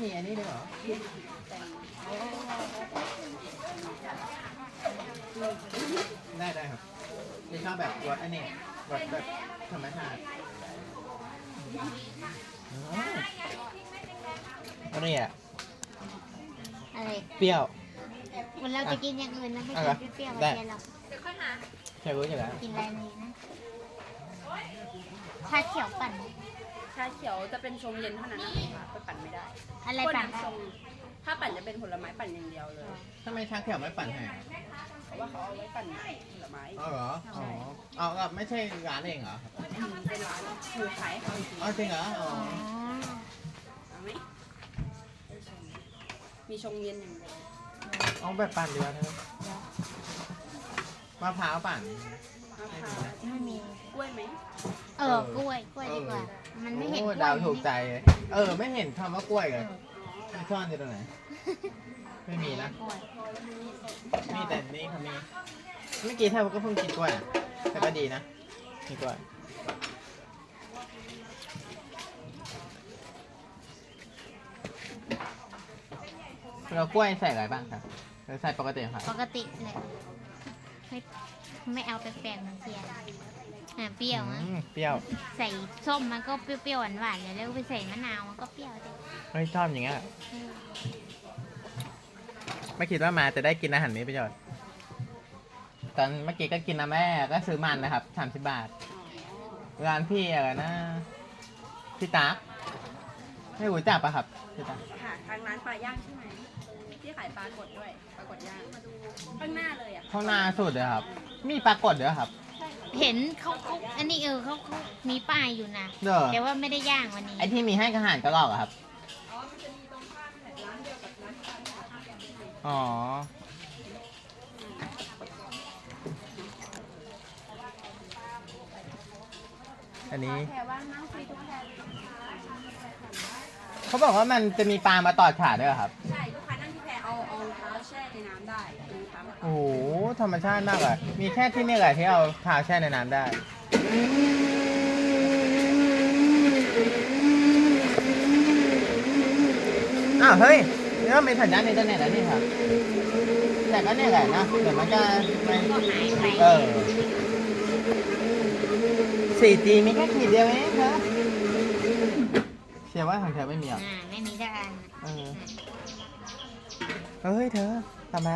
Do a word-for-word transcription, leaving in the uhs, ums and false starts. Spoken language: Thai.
มีอันนี้ด้วยเหรอได้ได้ครับนี่ชอบแบบรสอันนี้รสแบบธรรมชาติอันนี้อ่ะอะไรเปรี้ยววันเราจะกินอย่างอื่นนะไม่อะไรกินเปรี้ยวๆได้ไม่ใช่หรอกใช่รู้ใช่แล้วกินอะไรนี้นะชาเขียวปั่นชาเขียวจะเป็นชงเย็นเท่านั้นนะคะไปปั่นไม่ได้อะไรปั่นได้ชงถ้าปั่นจะเป็นผลไม้ปั่นอย่างเดียวเลยทำไมชาเขียวไม่ปั่นให้เพราะว่าเขาเอาไว้ปั่นผลไม้อ๋อเหรออ๋อเอาแบบไม่ใช่ร้านเองเหรอเป็นร้านคือขายให้เขาอีกทีอ๋อจริงเหรออ๋ออ๋อเอาไหมมีชงเย็นอย่างเดียวเอาแบบปั่นดีกว่าเธอมะพร้าวปั่นมะพร้าวไม่มีกล้วยไหมเออกล้วยกล้วยดีกว่า มันไม่เห็นกโอ้ล้วยดาวถูกใจเลยเออ ไม่เห็นคำว่ากล้วยเลยไม่ซ่อนอยู่ตรงไหน ไม่มีนะกล้วยมีแต่นี่เขามี เมื่อกี้เธอก็เพิ่งกินกล้วยอะแต่ก็ดีนะมีกล้วยเรากล้วยใส่อะไรบ้างครับหรือใส่ปกติครับปกติเลยไม่ไม่เอาแปลกๆเหมือนเทียนอ่ะเปรี้ยวนะอืมเปรี้ยวใส่ส้มมันก็เปรี้ยวๆหวานๆอยู่แล้วไปใส่มะนาวมันก็เปรี้ยวดิเฮ้ยชอบอย่างเงี้ยเออไม่คิดว่ามาจะได้กินอาหารนี้ประโยชน์ตอนเมื่อกี้ก็กินนะแม่ก็ซื้อมันนะครับสามสิบบาท ร้านพี่อะไรนะพี่ตากไม่รู้จักปะครับพี่ตากค่ะทางร้านปลาย่างใช่ไหมที่ขายปลากดด้วยปลากดย่างข้างหน้าเลยอ่ะข้างหน้าสุดเลยครับ มีปลากดด้วยครับเห็นเขาเขาอันนี้เออเขาเขามีป้ายอยู่นะเด้อแต่ว่าไม่ได้ย่างวันนี้ไอที่มีให้อาหารกระรอกอะครับอ๋ออันนี้แพรว่านั่งฟรีทุกแพรเขาบอกว่ามันจะมีปลามาตอดขาด้วยเหรอครับใช่ลูกค้านั่งที่แพรเอาเอาเท้าแช่ในน้ำได้ดูเท้ามาโอ้โหธรรมชาติมากเลยมีแค่ที่นี่แหละที่เอาเท้าแช่ในน้ำได้ อ้าวเฮ้ยนี่ก็มีสัญญาณอินเทอร์เน็ตแล้วนี่ครับ แต่ก็เนี่ยแหละนะเดี๋ยวมันจะไม่ก็หายไปเออ สี่จี มีแค่ขีดเดียวเองเธอเชื่อว่าของเธอไม่มีหรออ่าไม่มีสักอันเออ เฮ้ยเธอทำไม